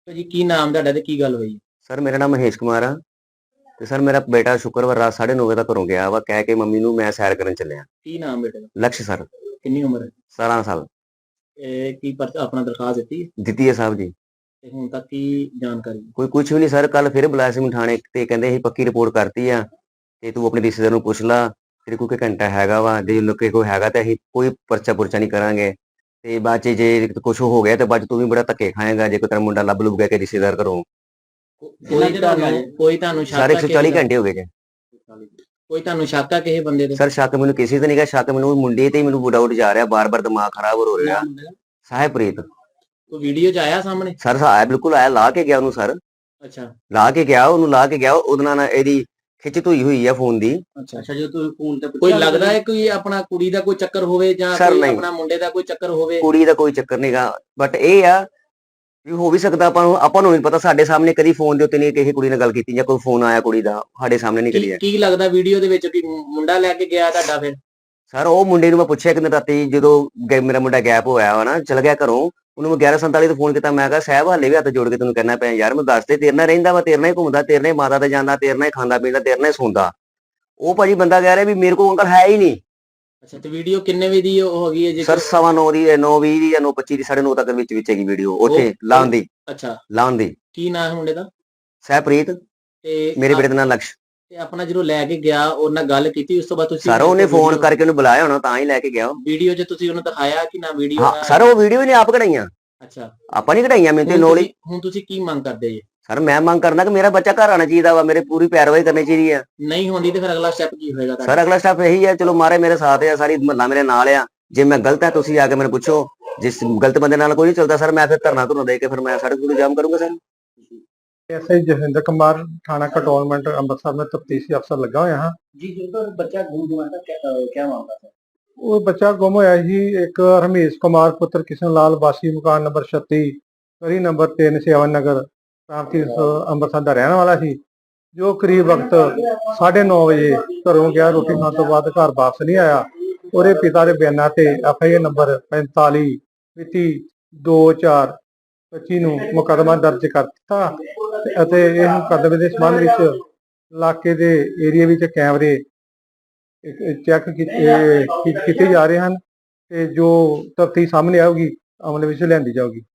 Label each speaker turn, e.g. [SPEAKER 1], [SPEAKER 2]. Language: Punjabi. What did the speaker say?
[SPEAKER 1] ਭਾਜੀ ਕੀ ਨਾਮ ਤੁਹਾਡਾ ਤੇ ਕੀ ਗੱਲ ਹੋਈ?
[SPEAKER 2] ਸਰ ਮੇਰਾ ਨਾਮ ਮਹੇਸ਼ ਕੁਮਾਰ ਆ ਤੇ ਸਰ ਮੇਰਾ ਬੇਟਾ ਸ਼ੁੱਕਰਵਾਰ ਰਾਤ 9:30 ਵਜੇ ਦਾ ਘਰੋਂ ਗਿਆ ਵਾ ਕਹਿ ਕੇ ਮੰਮੀ ਨੂੰ ਮੈਂ ਸੈਰ ਕਰਨ ਚੱਲਿਆ।
[SPEAKER 1] ਕੀ ਨਾਮ ਬੇਟੇ ਦਾ?
[SPEAKER 2] ਲਕਸ਼ ਸਰ।
[SPEAKER 1] ਕਿੰਨੀ ਉਮਰ ਹੈ?
[SPEAKER 2] 17 ਸਾਲ।
[SPEAKER 1] ਇਹ ਕੀ ਆਪਣਾ ਦਰਖਾਸਤ ਦਿੱਤੀ
[SPEAKER 2] ਦਿੱਤੀ ਹੈ ਸਾਹਿਬ ਜੀ।
[SPEAKER 1] ਤੇ ਹੁਣ ਤੱਕ ਕੀ ਜਾਣਕਾਰੀ?
[SPEAKER 2] ਕੋਈ ਕੁਝ ਵੀ ਨਹੀਂ ਸਰ। ਕੱਲ ਫਿਰ ਬੁਲਾਇਆ ਸੀ ਥਾਣੇ ਤੇ ਕਹਿੰਦੇ ਅਸੀਂ ਪੱਕੀ ਰਿਪੋਰਟ ਕਰਤੀ ਆ ਤੇ ਤੂੰ ਆਪਣੇ ਰਿਸ਼ਤੇਦਾਰ ਨੂੰ ਪੁੱਛ ਲਾ, ਤੇਰੇ ਕੋਲ ਘੰਟਾ ਹੈਗਾ ਵਾ, ਜੇ ਲੋਕੇ ਕੋਈ ਹੈਗਾ ਤਾਂ ਅਸੀਂ ਕੋਈ ਪਰਚਾ ਨਹੀਂ ਕਰਾਂਗੇ ਤੇ ਬਾਅਦ ਚ ਜੇ ਕੁਝ ਹੋ ਗਿਆ ਤੇ ਬਾਅਦ ਚ ਤੂੰ ਵੀ ਬੜਾ ਧੱਕੇ ਖਾਏਗਾ ਜੇ ਕੋਈ ਤੇਰਾ ਮੁੰਡਾ ਲੱਭ ਲੁੱਭ ਗਿਆ ਕਿ ਰਿਸ਼ਤੇਦਾਰ ਘਰੋਂ।
[SPEAKER 1] ਕੋਈ ਤੁਹਾਨੂੰ ਸ਼ੱਕ
[SPEAKER 2] ਸਰ
[SPEAKER 1] ਆ
[SPEAKER 2] 140 ਘੰਟੇ ਹੋ ਗਏ ਜੇ।
[SPEAKER 1] ਕੋਈ ਤੁਹਾਨੂੰ ਸ਼ੱਕ ਆ ਕਿਸੇ ਬੰਦੇ ਤੇ?
[SPEAKER 2] ਸਰ ਸ਼ੱਕ ਮੈਨੂੰ ਕਿਸੇ ਤੇ ਨਹੀਂਗਾ, ਸ਼ੱਕ ਮੈਨੂੰ ਮੁੰਡੇ ਤੇ ਹੀ ਮੈਨੂੰ ਡਾਊਟ ਜਾ ਰਿਹਾ, ਬਾਰ-ਬਾਰ ਦਿਮਾਗ ਖਰਾਬ ਹੋ ਰਿਹਾ। ਸਾਹਿਬਪ੍ਰੀਤ।
[SPEAKER 1] ਕੋਈ ਵੀਡੀਓ ਚ ਆਇਆ ਸਾਹਮਣੇ?
[SPEAKER 2] ਸਰ ਆਇਆ, ਬਿਲਕੁਲ ਆਇਆ, ਲਾ ਕੇ ਗਿਆ ਉਹਨੂੰ ਸਰ।
[SPEAKER 1] ਅੱਛਾ,
[SPEAKER 2] ਲਾ ਕੇ ਗਿਆ ਉਹਦੇ ਨਾਲ ਇਹਦੀ ਖਿੱਚ ਧੂਈ ਹੋਈ ਆ ਫੋਨ ਦੀ।
[SPEAKER 1] ਅੱਛਾ ਜੋ ਤੁਸੀਂ ਫੋਨ ਤੇ ਕੋਈ ਲੱਗਦਾ ਹੈ ਕੋਈ ਆਪਣਾ ਕੁੜੀ ਦਾ ਕੋਈ ਚੱਕਰ ਹੋਵੇ ਜਾਂ ਕੋਈ ਆਪਣਾ ਮੁੰਡੇ ਦਾ ਕੋਈ ਚੱਕਰ ਹੋਵੇ?
[SPEAKER 2] ਕੁੜੀ ਦਾ ਕੋਈ ਚੱਕਰ ਨਹੀਂਗਾ, ਬਟ ਇਹ ਆ ਵੀ ਹੋ ਵੀ ਸਕਦਾ ਆਪਾਂ ਨੂੰ ਨਹੀਂ ਪਤਾ। ਸਾਡੇ ਸਾਹਮਣੇ ਕਦੀ ਫੋਨ ਦੇ ਉੱਤੇ ਨਹੀਂ ਕਿਸੇ ਕੁੜੀ ਨਾਲ ਗੱਲ ਕੀਤੀ ਜਾਂ ਕੋਈ ਫੋਨ ਆਇਆ ਕੁੜੀ ਦਾ ਸਾਡੇ ਸਾਹਮਣੇ ਨਹੀਂ ਕਰੀ।
[SPEAKER 1] ਕੀ ਲੱਗਦਾ ਵੀਡੀਓ ਦੇ ਵਿੱਚ ਕਿ ਮੁੰਡਾ ਲੈ ਕੇ ਗਿਆ ਤੁਹਾਡਾ? ਫਿਰ
[SPEAKER 2] ਸਰ ਉਹ ਮੁੰਡੇ ਨੂੰ ਮੈਂ ਪੁੱਛਿਆ ਕਿ ਰਾਤੀ ਜਦੋਂ ਮੇਰਾ ਮੁੰਡਾ ਗੈਪ ਹੋਇਆ ਵਾ ਨਾ, ਚਲ ਗਿਆ ਘਰੋਂ, ਉਹਨੂੰ ਮੈਂ 11:47 ਤੇ ਫੋਨ ਕੀਤਾ। ਮੈਂ ਕਿਹਾ ਸਾਹਿਬ ਹਾਲੇ ਵੀ ਹੱਥ ਜੋੜ ਕੇ ਤੈਨੂੰ ਕਹਿਣਾ ਪਿਆ ਯਾਰ, ਮੈਂ ਦੱਸ ਦੇ, ਤੇਰੇ ਨਾਲ ਰਹਿੰਦਾ ਵਾ, ਤੇਰੇ ਨਾਲ ਹੀ ਘੁੰਮਦਾ, ਤੇਰੇ ਨਾਲ ਹੀ ਮਾਤਾ ਤੇ ਜਾਂਦਾ, ਤੇਰੇ ਨਾਲ ਹੀ ਖਾਂਦਾ ਪੀਂਦਾ, ਤੇਰੇ ਨਾਲ ਹੀ ਸੌਂਦਾ। ਉਹ ਭਾਜੀ ਬੰਦਾ ਕਹਿ ਰਿਹਾ ਵੀ ਮੇਰੇ ਕੋਲ ਅੰਕਲ ਹੈ ਹੀ ਨਹੀਂ।
[SPEAKER 1] ਅੱਛਾ ਤੇ ਵੀਡੀਓ ਕਿੰਨੇ ਵਜੇ ਦੀ ਹੋ ਗਈ ਹੈ ਜੀ?
[SPEAKER 2] ਸਰ 9:15 ਦੀ, 9:20 ਦੀ ਜਾਂ 9:25 ਦੀ, 9:30 ਤੱਕ ਵਿੱਚ ਹੈਗੀ ਵੀਡੀਓ ਉੱਥੇ ਲਾਉਣ ਦੀ।
[SPEAKER 1] ਅੱਛਾ
[SPEAKER 2] ਲਾਉਣ ਦੀ।
[SPEAKER 1] ਕੀ ਨਾਮ ਹੈ ਮੁੰਡੇ ਦਾ?
[SPEAKER 2] ਸਾਹਿਬਪ੍ਰੀਤ।
[SPEAKER 1] ਤੇ
[SPEAKER 2] ਮੇਰੇ ਬੇਟੇ ਦਾ ਨਾਮ ਲਕਸ਼।
[SPEAKER 1] ਤੇ ਆਪਣਾ ਜਦੋਂ ਲੈ ਕੇ ਗਿਆ ਉਹਨਾਂ ਨਾਲ ਗੱਲ ਕੀਤੀ ਉਸ ਤੋਂ ਬਾਅਦ ਤੁਸੀਂ?
[SPEAKER 2] ਸਰ ਉਹਨੇ ਫੋਨ ਕਰਕੇ ਉਹਨੂੰ ਬੁਲਾਇਆ ਹੋਣਾ ਤਾਂ ਹੀ ਲੈ ਕੇ ਗਿਆ।
[SPEAKER 1] ਵੀਡੀਓ 'ਚ ਤੁਸੀਂ ਉਹਨੂੰ ਦਿਖਾਇਆ ਕਿ ਨਾ ਵੀਡੀਓ?
[SPEAKER 2] ਹਾਂ ਸਰ ਉਹ ਵੀਡੀਓ ਵੀ ਨੇ ਆਪ ਕਢਾਈਆਂ।
[SPEAKER 1] ਅੱਛਾ
[SPEAKER 2] ਆਪਾਂ ਨਹੀਂ ਕਢਾਈਆਂ, ਮੈਨੂੰ ਤੇ ਨੋਲੀ।
[SPEAKER 1] ਹੁਣ ਤੁਸੀਂ ਕੀ ਮੰਗ ਕਰਦੇ ਜੀ?
[SPEAKER 2] ਸਰ ਮੈਂ ਮੰਗ ਕਰਦਾ ਕਿ ਮੇਰਾ ਬੱਚਾ ਘਰ ਆਣਾ ਚਾਹੀਦਾ ਵਾ, ਮੇਰੇ ਪੂਰੀ ਪੈਰਵਾਈ ਕਰਨੀ ਚਾਹੀਦੀ ਆ।
[SPEAKER 1] ਨਹੀਂ ਹੁੰਦੀ ਤੇ ਫਿਰ ਅਗਲਾ ਸਟੈਪ ਕੀ ਹੋਏਗਾ?
[SPEAKER 2] ਸਰ ਅਗਲਾ ਸਟੈਪ ਇਹੀ ਹੈ, ਚਲੋ ਮਾਰੇ ਮੇਰੇ ਸਾਥ ਆ, ਸਾਰੀ ਮਹੱਲਾ ਮੇਰੇ ਨਾਲ ਆ। ਜੇ ਮੈਂ ਗਲਤ ਹੈ ਤੁਸੀਂ ਆ ਕੇ ਮੈਨੂੰ ਪੁੱਛੋ, ਜਿਸ ਗਲਤ ਬੰਦੇ ਨਾਲ ਕੋਈ ਨਹੀਂ ਚੱਲਦਾ ਸਰ ਮੈਂ ਫਿਰ ਧਰਨਾ ਧੁਰਨਾ ਦੇ ਕੇ ਫਿਰ ਮੈਂ ਸੜਕ ਨੂੰ ਜਾਮ ਕਰੂੰਗਾ। ਸਰ
[SPEAKER 3] एसआई जसविंदर कुमार थाना कंटोनमेंट अमृतसर में तफ्तीशी अफसर लगा हुआ।
[SPEAKER 1] जी जो बच्चा गुम हुआ था क्या मामला था?
[SPEAKER 3] वो बच्चा गुम होया ही एक रमेश कुमार पुत्र किशन लाल वासी मकान नंबर 36 गली नंबर 3 सेवन नगर प्रांति अमृतसर का रहने वाला सी, जो करीब वक्त 9:30 बजे घरों गया, रोटी खाने तो बाद घर वापस नहीं आया। ਉਹਦੇ ਪਿਤਾ ਦੇ ਬਿਆਨਾਂ ਤੇ ਐਫਆਈਆਰ ਨੰਬਰ 45 ਮਿਤੀ 2/4/25 ਨੂੰ ਮੁਕੱਦਮਾ ਦਰਜ ਕਰ ਦਿੱਤਾ ਅਤੇ ਇਹ ਮੁਕੱਦਮੇ ਦੇ ਸੰਬੰਧ ਵਿੱਚ ਇਲਾਕੇ ਦੇ ਏਰੀਆ ਵਿੱਚ ਕੈਮਰੇ ਚੈੱਕ ਕੀਤੇ ਜਾ ਰਹੇ ਹਨ ਤੇ ਜੋ ਤਫਤੀਸ਼ ਸਾਹਮਣੇ ਆਊਗੀ ਅਮਲ ਵਿੱਚ ਲਿਆਂਦੀ ਜਾਊਗੀ।